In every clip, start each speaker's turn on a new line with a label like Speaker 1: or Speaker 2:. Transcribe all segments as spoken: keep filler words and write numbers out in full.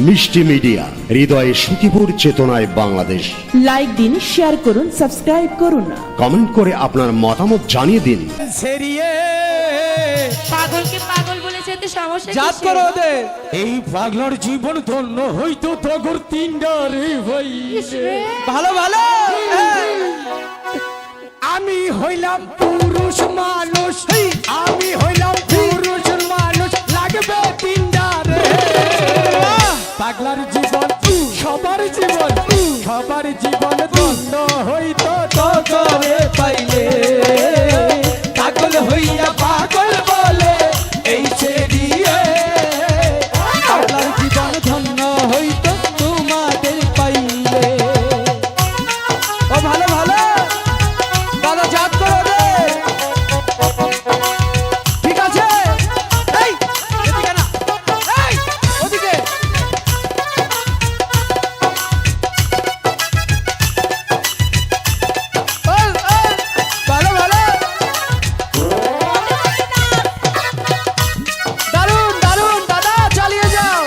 Speaker 1: মিষ্টি মিডিয়া, হৃদয়ে সুখীপুর, চেতনায় বাংলাদেশ।
Speaker 2: লাইক দিন, শেয়ার করুন, সাবস্ক্রাইব করুন,
Speaker 1: কমেন্ট করে আপনার মতামত জানিয়ে দিন।
Speaker 3: সেরিয়ে
Speaker 4: পাগলকে পাগল বলেছে তো সমস্যা
Speaker 3: জাত
Speaker 4: কিসের?
Speaker 3: করো ওদের। এই পাগলার জীবন ধন্য হইতো তগর তিনডারে ভাই।
Speaker 4: ইসরে।
Speaker 3: ভালো ভালো হ্যাঁ। আমি হইলাম পুরুষ মানুষ, আমি হইলাম পুরুষ মানুষ, লাগবে তিনডারে। পাগলার জীবন সবার জীবন, সবার জীবন ধন্য হইতো তগরে পাইলে। পাগল হইয়া পাগল বলে এই ছেড়িয়ে, পাগলার জীবন ধন্য হইতো তোমাদের পাইলে। ও ভালো ভালো দাদা, জাত করো রে। ঠিক আছে, এই এদিকে না, এই ওদিকে। ওই, ওই, ভালো ভালো, দারুন দারুন দাদা, চালিয়ে যাও।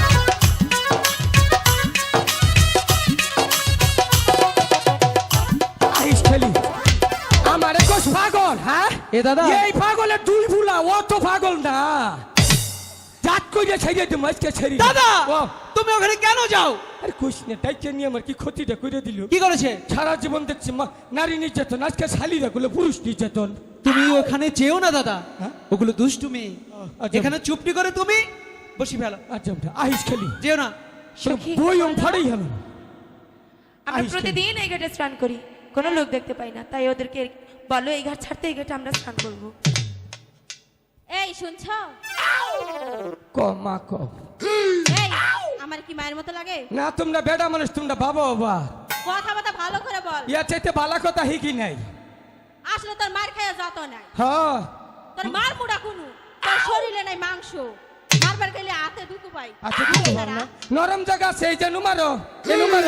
Speaker 3: আইস খেলি আমারে কোস পাগল, হ্যাঁ
Speaker 5: এ দাদা।
Speaker 3: এই পাগলের দুই ফুলা, ও তো পাগল না। জাত কইরে ছেড়ে দিম আজকে, ছেড়ে
Speaker 5: দাদা
Speaker 3: ও
Speaker 5: তুমি ওখানে কেন যাও?
Speaker 3: আরে কোস না, ডাইকে নিয়ে আমার কি ক্ষতিটা করে দিল।
Speaker 5: কি করেছে?
Speaker 3: সারা জীবন দেখছি মা- নারী নির্যাতন, আজকে শালীরা গুলো পুরুষ নির্যাতন।
Speaker 5: তুমি ওখানে যেও না দাদা,
Speaker 3: হ্যাঁ?
Speaker 5: ওগুলো দুষ্টুমি।
Speaker 3: আচ্ছা।
Speaker 5: এখানে চুপটি করে তুমি বসি ফেলো,
Speaker 3: আচ্ছা আইস খেলি,
Speaker 5: যেও না।
Speaker 4: সখী,
Speaker 3: বই ওম ফাড়াই হলো।
Speaker 4: আমরা
Speaker 3: আইস
Speaker 4: প্রতিদিন এই ঘাটে স্নান করি, কোনো লোক দেখতে পাই না, তাই ওদেরকে বলো এই ঘাট ছাড়তে এই ঘাটে আমরা স্নান করব।
Speaker 6: এই শুনছো?
Speaker 3: ক মা ক
Speaker 6: এই আমার কি মায়ের মতো লাগে?
Speaker 3: না, তোমরা বেটা মানুষ, তোমরা বাবা বাবা,
Speaker 6: কথা কথা ভালো করে বল।
Speaker 3: ইয়া চাইতে ভালো কথা হিকি নাই।
Speaker 6: আসলে তোর মার খাইয়া যত নাই,
Speaker 3: হ্যাঁ
Speaker 6: তোর মার মুড়া কুনু, তোর শরীরে নাই মাংস, মারবার গেলে হাতে দুটো পাই।
Speaker 3: আচ্ছা কিছু বল না, নরম জায়গা আছে, এই যে নুমারো, এই নুমারো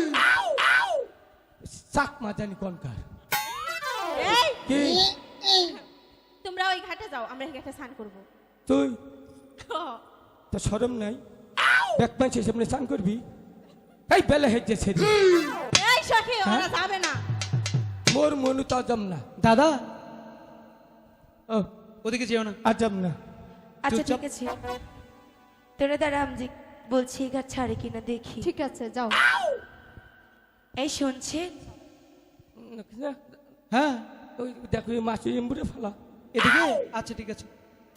Speaker 3: চাক মা জানি কোনকার।
Speaker 6: এই
Speaker 3: কি
Speaker 6: তোমরা ওই ঘাটে যাও, আমরা এই ঘাটে স্নান করব।
Speaker 3: তুই তো শরম নাই? দেখ পাইছে সামনে স্নান করবি, এই বেলা হেজে ছেড়ে
Speaker 6: এই সখী, ওরা যাবে না।
Speaker 3: মোর মনু তো আজম না,
Speaker 5: দাদা
Speaker 3: ও
Speaker 5: ওদিকে যেও না।
Speaker 3: আজম না।
Speaker 4: আচ্ছা
Speaker 5: চুপচাপ।
Speaker 4: ঠিক আছে, তোরা দাঁড়া, আমি যে বলছি এই ঘাট ছাড়ে কিনা দেখি।
Speaker 6: ঠিক আছে যাও।
Speaker 4: এই শুনছেন?
Speaker 5: হ্যাঁ
Speaker 3: ওই দেখো এই মাছ এমবুড়ে ফেলা।
Speaker 5: এদিকে। আচ্ছা ঠিক আছে।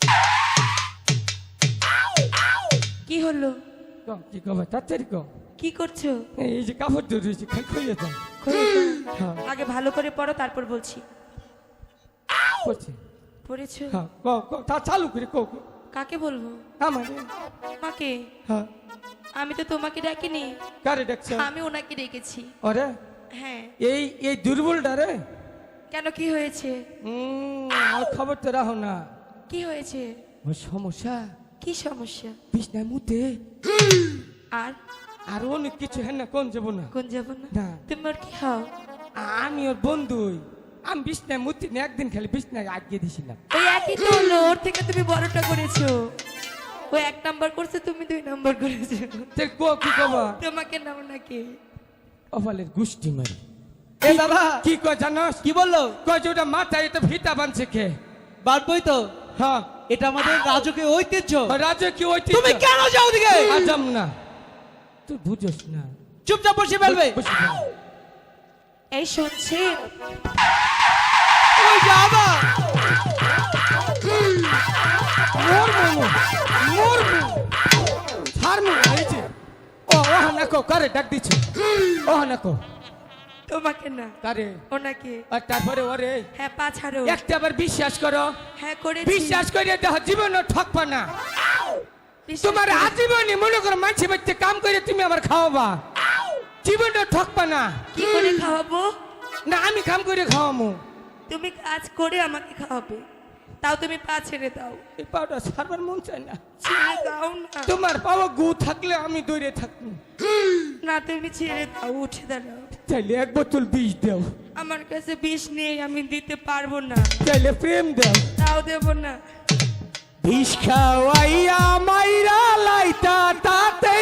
Speaker 4: কি হলো?
Speaker 3: কম কি কম তাড়াতাড়ি কম।
Speaker 4: কি করছো?
Speaker 3: এই যে কাপড় ধরে রয়েছে, খাই খাইয়ে যাও।
Speaker 4: খোলো তো।
Speaker 3: হ্যাঁ
Speaker 4: আগে ভালো করে পড়ো, তারপর বলছি।
Speaker 3: করছি।
Speaker 4: পড়েছো?
Speaker 3: হ্যাঁ ক ক তা চালু করে কো কো।
Speaker 4: কাকে বলবো?
Speaker 3: আমার
Speaker 4: মাকে?
Speaker 3: হ্যাঁ
Speaker 4: আমি তো তোমাকে ডাকিনি,
Speaker 3: কারে দেখছ?
Speaker 4: আমি ওনাকে ডেকেছি।
Speaker 3: ওরে
Speaker 4: হ্যাঁ।
Speaker 3: এই এই দুর্বলটা রে,
Speaker 4: কেন, কি হয়েছে?
Speaker 3: হুম আর খবর তো রাখো না।
Speaker 4: কি হয়েছে?
Speaker 3: ওর সমস্যা
Speaker 4: কি সমস্যা?
Speaker 3: বিছনায় মুতে,
Speaker 4: আর
Speaker 3: আর অনেক কিছু হ্যাঁ না, কোন যাবো না।
Speaker 4: কোন যাব না?
Speaker 3: না।
Speaker 4: তুমি ওর কি হও?
Speaker 3: আমি ওর বন্ধুই, আমি বিছনায় মুতি না, একদিন খালি বিছনায় আটকে দিছিলাম।
Speaker 4: ওই একই তো হলো, ওর থেকে তুমি বড়টা করেছো। ও এক নাম্বার করছে, তুমি দুই নাম্বার করেছো।
Speaker 3: তে কো কি কবা?
Speaker 4: তোমাকে নাও নাকি?
Speaker 3: অফালের গুষ্টি মারি।
Speaker 5: এ দাদা
Speaker 3: কি কয় জানোস?
Speaker 5: কি বললো?
Speaker 3: কয় যে ওটা মাথায় এটা ফিতা বানছে কে?
Speaker 5: বাড়বই তো,
Speaker 3: হ্যাঁ
Speaker 5: এটা আমাদের রাজকীয় ঐতিহ্য।
Speaker 3: রাজে কি ওই
Speaker 5: তুমি কেন যাও ওদিকে?
Speaker 3: আজম না, তুই বুঝোস না।
Speaker 5: চুপচাপ বসে ফেলবে।
Speaker 3: বসে পড়।
Speaker 4: এই শুনছেন?
Speaker 5: ওই যে আবার।
Speaker 3: মোর মোমো, মোর মোমো, ছাড় মোমো, এই যে। ও ও না কো কারে ডাক দিছে, ও না কো
Speaker 4: তোমাকে না,
Speaker 3: কারে।
Speaker 4: ওনাকে।
Speaker 3: আর তারপরে ওরে
Speaker 4: হ্যাঁ, পা ছাড়ো।
Speaker 3: একটা আবার বিশ্বাস করো,
Speaker 4: হ্যাঁ করেছি।
Speaker 3: বিশ্বাস করে দেখো জীবনে ঠকবা না।
Speaker 4: বিশ্বাস
Speaker 3: তোমার
Speaker 4: করেছি।
Speaker 3: আজীবনই মনে করো মানসি বাচ্চা কাম করে তুমি আমার খাওয়াবা, জীবনে ঠকবা না।
Speaker 4: কি করে খাওয়াবো?
Speaker 3: না আমি কাম করে খাওয়ামু।
Speaker 4: তুমি কাজ করে আমাকে খাওয়াবে, তাও তুমি পা ছেড়ে দাও।
Speaker 3: এই পাউডার সারবার মন চায় না।
Speaker 4: ছেড়ে দাও না।
Speaker 3: তোমার পাওয়া গু থাকলে আমি দৌড়ে থাকবো।
Speaker 4: না, তুমি ছেড়ে দাও, উঠে দাঁড়াও।
Speaker 3: চাইলে এক বোতল বিষ দাও,
Speaker 4: আমার কাছে বিষ নেই, আমি দিতে পারবো না।
Speaker 3: চাইলে প্রেম দাও,
Speaker 4: তাও দেবো না।
Speaker 3: বিষ খাওয়াইয়া মাইরা লাইতা তাতে